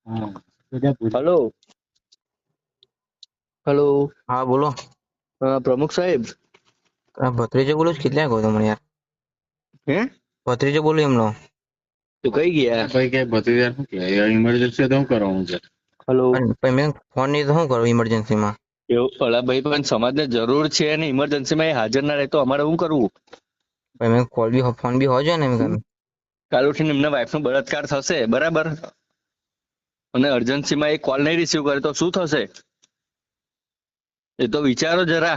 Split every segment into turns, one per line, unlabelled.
Hello hello.
હા બોલો.
પ્રમુખ સાહેબ.
ભત્રીજો બોલું કેટલા કહો તમને યાર.
હે
ભત્રીજો બોલું એમનો.
તું કઈ ગયા ભાઈ? કે ભત્રીજા શું કે ઇમરજન્સી તો શું કરવાનું છે? હલો.
પણ મેં ફોન નહીં તો શું કરું ઇમરજન્સીમાં?
એવું અલા ભાઈ, પણ સમાજને જરૂર છે અને ઇમરજન્સીમાં એ હાજર ના રહે તો અમારે શું કરવું?
પણ મેં કોલ બી ફોન બી હોય છે ને એમ.
કાલ ઉઠીને એમના વાઈફ નો બળાત્કાર થશે, બરાબર, અને અર્જન્સીમાં એ કોલ નહીં રિસીવ કરે તો શું થશે? એ તો વિચારો જરા.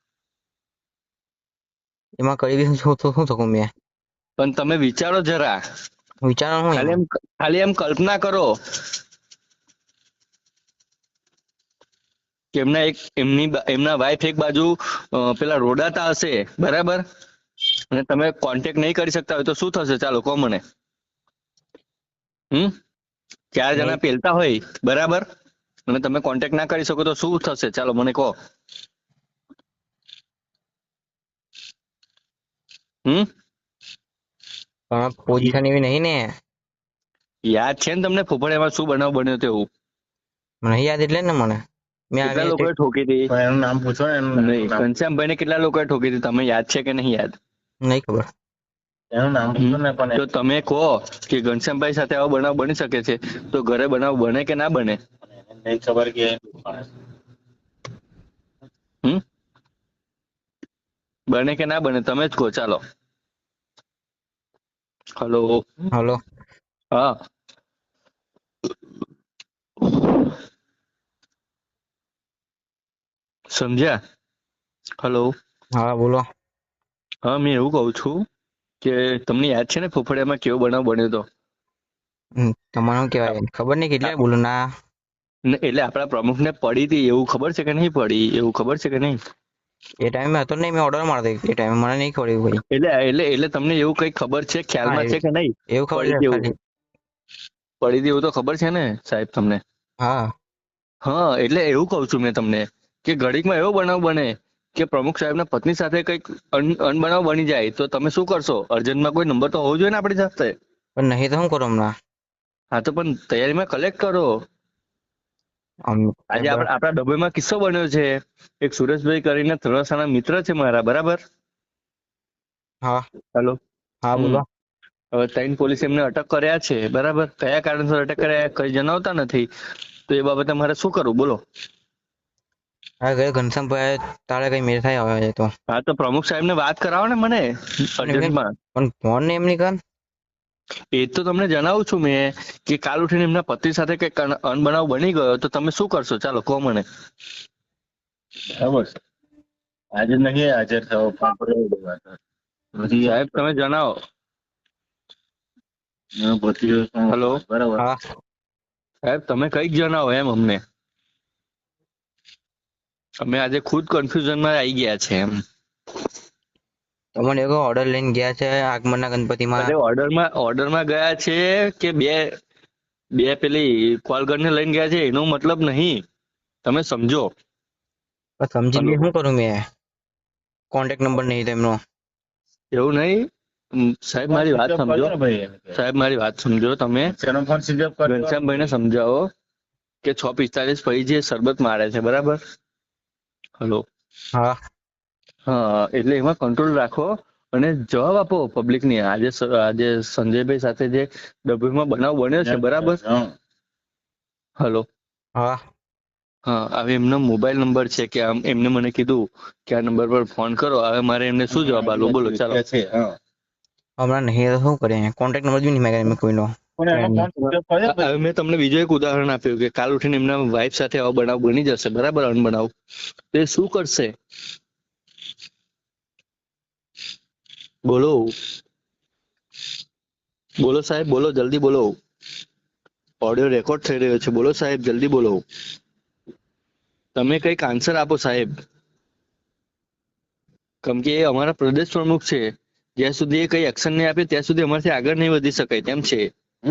એમાં કરી બી શું શકું મેં?
પણ તમે વિચારો જરા.
વિચારો શું
ખાલી
એમાં?
એમ ખાલી એમ કલ્પના કરો કે એમના વાઈફ એક બાજુ પેલા રોડાતા હશે, બરાબર, અને તમે કોન્ટેક્ટ નહીં કરી શકતા હોય તો શું થશે? ચાલો કહો મને. 4 જણા
નહીં.
પેલતા હોય, બરાબર, અને તમે કોન્ટેક્ટ ના કરી શકો તો શું થશે? ચાલો મને કહો.
પણ પોઝિશન એવી નહીં ને.
યાદ છે ને તમને ફોફળિયામાં શું બનાવ બન્યો હતો? એવું
મને નહીં યાદ એટલે ને મને. મેં
કેટલા
આવી
લોકોએ ઠોકી હતી?
એનું નામ પૂછો ને.
નહીં, ઘનશ્યામભાઈ ને કેટલા લોકોએ ઠોકી હતી? તમે યાદ છે કે નહીં યાદ?
નહીં ખબર.
એનું નામ પૂછો ને. પણ
તો તમે કહો કે ઘનશ્યામભાઈ સાથે આવો બનાવ બની શકે છે, તો ઘરે બનાવ બને કે ના બને?
નહીં ખબર કે
બને કે ના બને? તમે જ કહો. ચાલો. હલો.
હલો.
હા. સમજ્યા? હલો.
હા બોલો.
હા, મેં એવું કહું છું કે તમને યાદ છે ને ફોફળિયામાં કેવો બનાવ બન્યો હતો?
તમારે શું કહેવાય ખબર નહીં કેટલા બોલું ના.
એટલે આપણા પ્રમુખને પડી હતી એવું ખબર છે કે નહીં પડી? એવું ખબર છે કે નહીં?
એ ટાઈમે હતો નહીં, મેં ઓર્ડર મારતો એ ટાઈમે મને નહીં ખબર એવું ભાઈ.
એટલે એટલે એટલે તમને એવું કઈ ખબર છે, ખ્યાલમાં છે કે નહીં?
એવું ખબર
પડી
છે
હતી એવું
ખાલી.
પડી હતી એવું તો ખબર છે ને સાહેબ તમને?
હા.
હા, એટલે એવું કહું છું મેં તમને કે ઘડીકમાં એવો બનાવ બને કે પ્રમુખ સાહેબના પત્ની સાથે કંઈક અનબનાવ બની જાય તો તમે શું કરશો? અર્જન્ટમાં કોઈ નંબર તો હોવો જોઈએ ને આપણી સાથે.
પણ નહીં તો શું કરું હમણાં?
હા, તો પણ તૈયારીમાં કલેક્ટ કરો. આજે આપણા ડબ્બામાં કિસ્સો બન્યો છે. એક સુરેશભાઈ કરીને તળાસાના મિત્ર છે મારા, બરાબર.
હા.
હેલો.
હા બોલો.
હવે 3 પોલીસ એમને અટક કર્યા છે, બરાબર. કયા કારણસર અટક કર્યા કઈ જણાવતા નથી, તો એ બાબતે મારે શું કરવું બોલો?
હા ગયો ઘનશ્યામભાઈ તારે કઈ મેળ થાય હવે તો.
હા, તો પ્રમુખ સાહેબ ને વાત કરાવો ને મને અર્જન્ટમાં.
પણ ફોન ને એમની કર.
એ તો તમને જણાવું છું મેં કે કાલ ઉઠીને એમના પતિ સાથે કઈક અનબનાવ બની ગયો તો તમે શું કરશો? ચાલો કહો મને.
બરાબર છે. આજે નહીં હાજર થવો
સાહેબ તમે જણાવો. હલો.
બરાબર.
હા.
સાહેબ તમે કઈક જણાવો એમ અમને. અમે આજે ખુદ કન્ફ્યુઝનમાં આવી ગયા છે એમ.
તમને એવો ઓર્ડર લઈને ગયા છે આગમનના ગણપતિમાં.
અરે ઓર્ડરમાં ગયા છે કે બે પેલી કોલગનને લઈને ગયા છે એનો મતલબ નહીં, તમે સમજો.
સમજીને
હલો.
શું કરું મેં? કોન્ટેક્ટ નંબર નહીં તેમનો.
એવું નહીં સાહેબ, મારી વાત સમજો. સાહેબ મારી વાત સમજો. તમે
ફોન સ્વિચ ઓફ કરજો.
ઘનશ્યામભાઈને સમજાવો કે 6:45 પછી જે શરબત મારે છે, બરાબર. હલો.
હા.
હા, એટલે એમાં કંટ્રોલ રાખો અને જવાબ આપો પબ્લિક ની. આજે સંજયભાઈ સાથે જે ડબ્બીમાં બનાવ બન્યો છે, બરાબર. હલો.
હા.
હા, હવે એમનો મોબાઈલ નંબર છે કે એમને મને કીધું કે આ નંબર પર ફોન કરો. હવે મારે એમને શું જવાબ આપવો બોલો? ચાલો.
હમણાં નહીં તો શું કરીએ? કોન્ટેક્ટ નંબર બી નહીં માગ્યા કોઈનો.
હવે મેં તમને બીજું એક ઉદાહરણ આપ્યું કે કાલ ઉઠીને એમના વાઈફ સાથે આવો બનાવ બની જશે, બરાબર, અનબનાવ, તો એ શું કરશે? બોલો બોલો સાહેબ, બોલો, જલ્દી બોલો. ઓડિયો રેકોર્ડ થઈ રહ્યો છે, બોલો સાહેબ, જલ્દી બોલો. તમે કઈક આન્સર આપો સાહેબ, કેમ કે એ અમારા પ્રદેશ પ્રમુખ છે. જ્યાં સુધી એ કઈ એક્શન નહીં આપે ત્યાં સુધી અમારાથી આગળ નહીં વધી શકાય તેમ છે.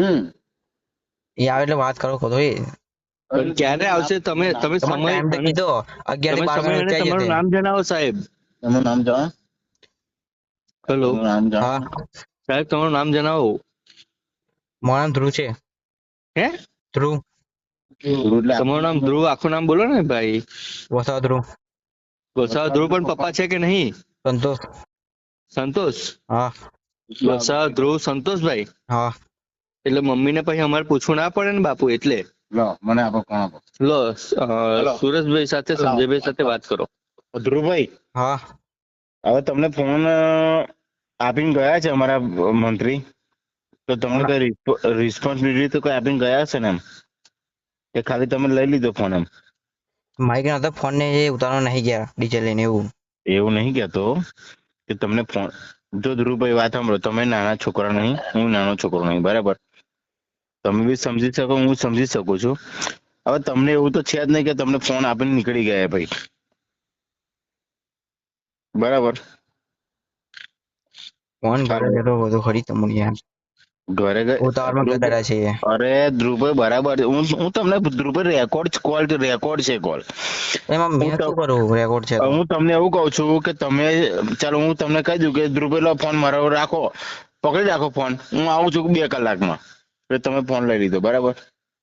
એ આવે એટલે વાત કરો તો એ.
પણ ક્યારે આવશે? તમે સમય
ટાઈમ તો કીધો 11 થી 12
અને
વચ્ચે
તમારું નામ જણાવો સાહેબ.
એનું નામ જણાવો.
હેલો.
નામ
હા.
જણાવો.
સાહેબ તમારું નામ જણાવો.
મારું નામ ધ્રુવ છે.
હે?
ધ્રુવ.
ધ્રુવ એટલે
તમારું નામ ધ્રુવ, આખું નામ બોલો ને ભાઈ.
વસાવા ધ્રુવ.
વસાવા ધ્રુવ પણ પપ્પા છે કે નહીં?
સંતોષ.
સંતોષ.
હા
વસાવા ધ્રુવ સંતોષભાઈ.
હા.
એટલે મમ્મીને પછી અમારે પૂછવું ના પડે ને બાપુ, એટલે.
લો મને આપો, કોણ આપો?
લો
હેલો.
સુરેશભાઈ સાથે સંજયભાઈ સાથે વાત કરો.
ધ્રુવભાઈ,
હા.
હવે તમને ફોન આપીને ગયા છે અમારા મંત્રી, તો તમને કઈ રિસ્પોન્સિબિલિટી તો કઈ આપીને ગયા હશે ને એમ, કે ખાલી તમે લઈ લીધો ફોન એમ?
મારી કે ફોન ને એ ઉતારવા નહીં ગયા ડીજે લઈને એવું.
એવું નહીં કહેતો કે તમને ફોન, જો ધ્રુવભાઈ વાત સાંભળો, તમે નાના છોકરા નહીં, હું નાનો છોકરો નહીં, બરાબર? તમે બી સમજી શકો, હું સમજી શકું છું. હવે તમને એવું તો છે જ નહીં કે તમને ફોન આપીને નીકળી ગયા ભાઈ, બરાબર?
ફોન ઘરે બેઠો બધું ખરી તમને યાર.
ઘરે
ઉતાવળમાં ગદાડા છે એ.
અરે ધ્રુવભાઈ બરાબર, હું તમને ધ્રુવભાઈ રેકોર્ડ છે કોલ.
એમાં મેં શું કરું, રેકોર્ડ છે તો.
હું તમને એવું કહું છું કે તમે, ચાલો હું તમને કહી દઉં કે ધ્રુવભાઈ લો ફોન મારો રાખો, પકડી રાખો ફોન, હું આવું છું 2 કલાકમાં, એટલે તમે ફોન લઈ લીધો, બરાબર?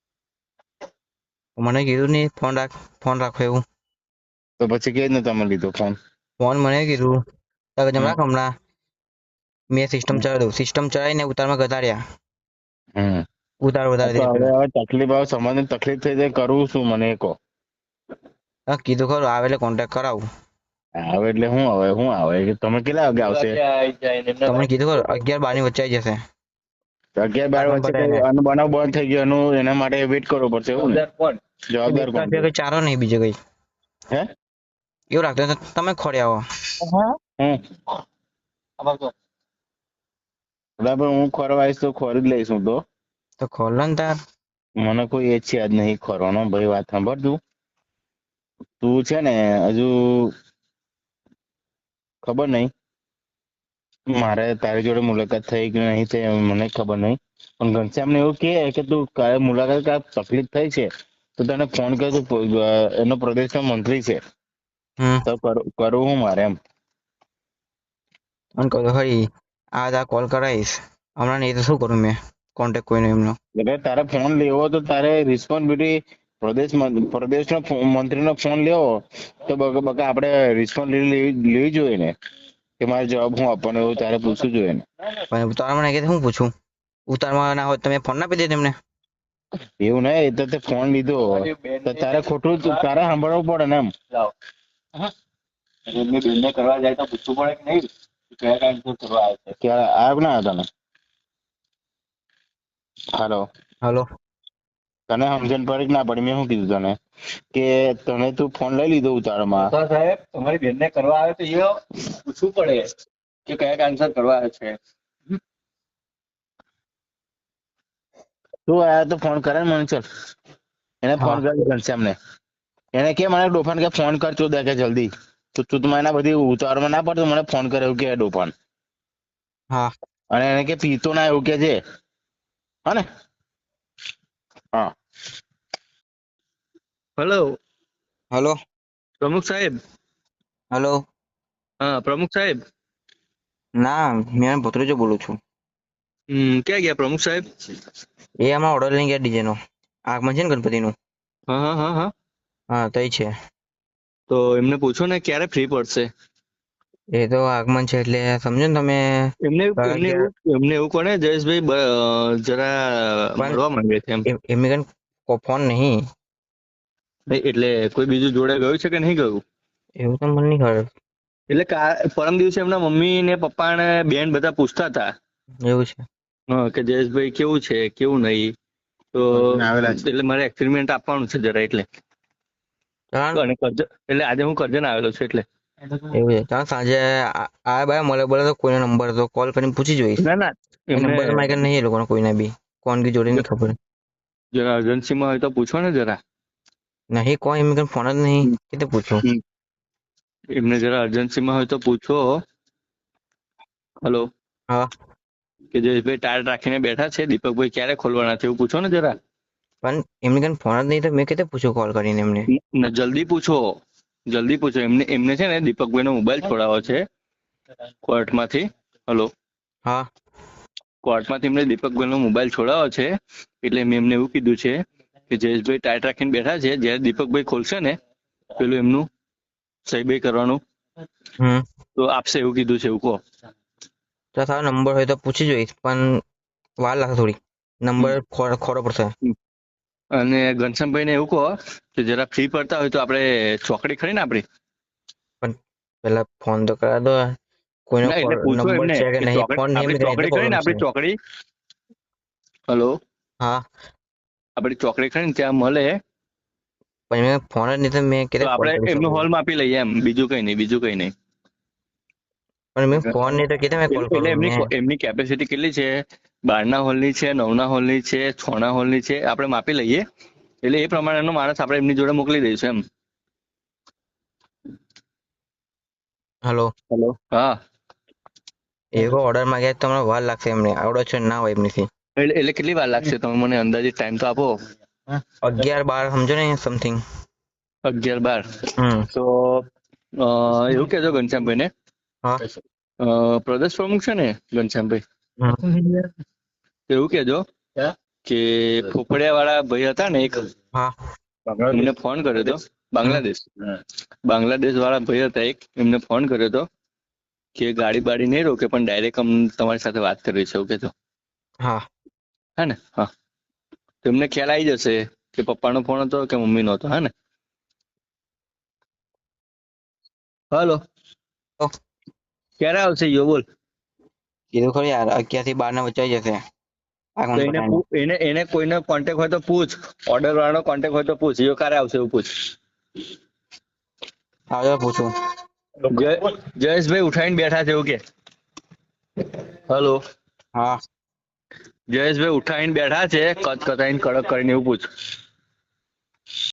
મને કીધું નહીં ફોન રાખો એવું.
તો પછી કેવી રીતના તમે લીધો ફોન?
ફોન મને કીધું તમે જમ રાખ હમણાં મેં સિસ્ટમ ચલાવી દઉં. સિસ્ટમ ચલાવીને ઉતારમાં ગતાડ્યા.
હમ
વધારે
તો
દીધું.
હવે તકલીફ આવે, સમાજને તકલીફ થઈ જાય, કરવું શું મને એ કહો.
કીધું ખરું આવે એટલે કોન્ટેક્ટ કરાવું.
આવે એટલે શું આવે કે તમે કેટલા વાગે આવશે?
તમને કીધું ખરું 11-12 ની વચ્ચે આવી જશે.
11-12 વચ્ચે કઈ બનાવ બંધ થઈ ગયો એનું, એના માટે વેઇટ કરવો પડશે એવું ને? જવાબદાર કોણ?
કઈ ચારો નહીં બીજે કઈ.
હે
એવું રાખતો તો તમે ખોરી આવો.
બરાબર, હું ખોરવા આવીશ તો ખોરી જ લઈશ હું
તો ખોલો ને તાર.
મને કોઈ એ છે જ નહીં ખોરવાનો ભાઈ. વાત સાંભળ, તું છે ને હજુ ખબર નહીં મારે તારી જોડે મુલાકાત થઈ કે નહીં થઈ મને ખબર નહીં, પણ ઘનશ્યામને એવું કે તું કાલે મુલાકાત તકલીફ થઈ છે તો તને ફોન કર, તું એનો પ્રદેશનો મંત્રી છે તો કરવું હું મારે એમ.
મને કહું ખરી આ કોલ કરાવીશ હમણાં, નહીં તો શું કરું મેં કોન્ટેક્ટ કોઈનો એમનો.
એટલે તારે ફોન લેવો તો તારે રિસ્પોન્સિબિલિટી પ્રદેશનો મંત્રીનો ફોન લેવો તો બકા આપણે રિસ્પોન્સિબિલિટી લેવી જોઈએ ને, કે મારે જવાબ હું આપવાનો એવું તારે પૂછવું જોઈએ ને.
પણ ઉતારમાં નહીં કે હું પૂછું, ઉતારમાં ના હોય તમે ફોન ના આપી દે તેમને.
એવું નહીં, એ તો તે ફોન લીધો તો તારે ખોટું તારે સાંભળવું પડે ને એમ. બેનને કરવા જાય તો પૂછવું પડે કે નહીં કયા કારણસર કરવા આવે છે, ક્યારે આવ્યો ના તને? હાલો, તને સમજણ પડી કે ના પડી? મેં શું કીધું તને કે તને તું ફોન લઈ લીધો ઉતારમાં? સાહેબ તમારી બેનને કરવા આવે તો એ પૂછવું પડે કે કયા કારણસર કરવા આવે છે. તું આયા તો ફોન કરે ને મને, ચલ એને ફોન કરી ઘનશ્યામને, એને કે મને ડોફાન કે ફોન કર તું કે જલ્દી, તો તું મને બધી ઉતારમાં ના પડતો મને ફોન કરે એવું કે ડોફાન.
હા.
અને એને કે પીતો ના એવું કે છે, હા ને? હા.
હેલો પ્રમુખ સાહેબ.
હેલો.
હા પ્રમુખ સાહેબ.
ના મેં ભત્રીજો બોલું છું.
ક્યાં ગયા પ્રમુખ સાહેબ?
એ આમાં ઓર્ડર લઈને ગયા ડીજે નો, આગમન છે ને ગણપતિનું. હા તો છે.
તો એમને પૂછો ને ક્યારે ફ્રી પડશે.
એ તો આગમન છે એટલે સમજો ને તમે.
એમને એવું કોને જયેશભાઈ જરા મળવા માંગે છે
એમને કઈ ફોન નહીં.
એટલે કોઈ બીજું જોડે ગયું છે કે નહીં ગયું?
એવું તો મને નહીં ખબર.
એટલે પરમ દિવસે એમના મમ્મી ને પપ્પા ને બેન બધા પૂછતા હતા.
એવું છે.
કે જયેશભાઈ કેવું છે કેવું નહીં, તો એટલે મારે એક્સપેરિમેન્ટ આપવાનું છે જરા, એટલે આજે હું કરજણ આવેલો છું એટલે.
એવું છે. ચાલ સાંજે આ બાય મળે બોલે તો કોઈનો નંબર તો કોલ કરીને પૂછી જોઈશ.
ના
નંબર તો મારે નહીં એ લોકોને કોઈને બી કોણ કી જોડે નહીં ખબર.
જરા અર્જન્સીમાં હોય તો પૂછો ને જરા.
નહીં કોઈ એમ ફોન જ નહીં કે પૂછો.
એમને જરા અર્જન્સીમાં હોય તો પૂછો. હલો.
હા.
કે જયેશભાઈ ટાયર રાખીને બેઠા છે, દીપકભાઈ ક્યારે ખોલવાના છે એવું પૂછો ને જરા.
પણ એમને કઈ ફોન જ નહીં તો મેં કેતે પૂછું કોલ કરીને એમને.
જલ્દી પૂછો. એમને છે ને દીપકભાઈ નો મોબાઈલ છોડાવો છે કોર્ટમાંથી. હલો.
હા.
કોર્ટમાંથી એમને દીપકભાઈ નો મોબાઈલ છોડાવો છે, એટલે મેં એમને એવું કીધું છે કે જયેશભાઈ ટાઈટ રાખીને બેઠા છે, જ્યારે દીપકભાઈ ખોલશે ને પેલું એમનું સહી બઈ કરવાનું તો આપશે એવું કીધું છે, એવું કહો.
તો તારો નંબર હોય તો પૂછી જોઈશ, પણ વાર લાગશે થોડી. નંબર ખોરો પડશે.
અને ઘનશ્યામભાઈ ને એવું કહો કે જરા ફ્રી પડતા હોય તો આપણે ચોકડી ખરી ને આપણી,
પણ પેલા ફોન તો કરા દો. કોઈનો
ના એટલે પૂછો
નંબર
એમને
છે કે
કે
નહીં, ફોન નહીં
આપણી ચોકડી ખરી ને, આપણી ચોકડી. હલો,
હા,
આપણી ચોકડી ખરી ને ત્યાં મળે
પણ મેં ફોન જ નહીં તો મેં
તો
કેવી
આપણે
કોલ કરી
એમનું
શકું?
હોલ માપી લઈએ એમ, બીજું કઈ નહીં, બીજું કઈ નહીં.
પણ મેં ફોન નહીં તો કેવી મેં કોલ
એટલે
કરું? મેં
એમની કેપેસિટી કેટલી છે, 12 હોલની છે, 9 હોલની છે, 6 હોલની છે, આપણે માપી લઈએ. એટલે એ પ્રમાણેનો માણસ આપણે એમની જોડે મોકલી દઈશું એમ.
હલો,
હેલો, હા.
એવો ઓર્ડર માંગ્યા તો તમને વાર લાગશે એમને, આવડો છે ના હોય એમનીથી.
એટલે કેટલી વાર લાગશે, તમે મને અંદાજિત ટાઈમ તો આપો.
11-12 સમજો ને સમથિંગ.
11-12 તો એવું કહેજો ઘનશ્યામભાઈ ને.
હા,
પ્રદેશ પ્રમુખ છે ને ઘનશ્યામભાઈ, એવું કહેજો કે ફોફડિયા વાળા ભાઈ હતા ને એક,
હા,
એમને ફોન કર્યો હતો. બાંગ્લાદેશ વાળા ભાઈ હતા એક, એમને ફોન કર્યો હતો કે ગાડી બાડી નહીં રોકે પણ ડાયરેક્ટ તમારી સાથે વાત કરવી છે, એવું કહેજો.
હા,
હા ને, હા. તો એમને ખ્યાલ આવી જશે કે પપ્પાનો ફોન હતો કે મમ્મીનો હતો. હા ને. હલો, ક્યારે આવશે યો બોલ.
કીધું ખરી યાર, 11 થી 12 વચ્ચે આવી જશે.
તો એને કોઈનો કોન્ટેક્ટ હોય તો પૂછ, ઓર્ડર વાળાનો કોન્ટેક્ટ હોય તો પૂછ, યો ક્યારે આવશે એવું પૂછ.
આવજો પૂછું.
જયેશભાઈ ઉઠાઈને બેઠા છે એવું કે. હલો,
હા,
જયેશભાઈ ઉઠાઈને બેઠા છે, કચકચાઈને કડક કરીને એવું પૂછ.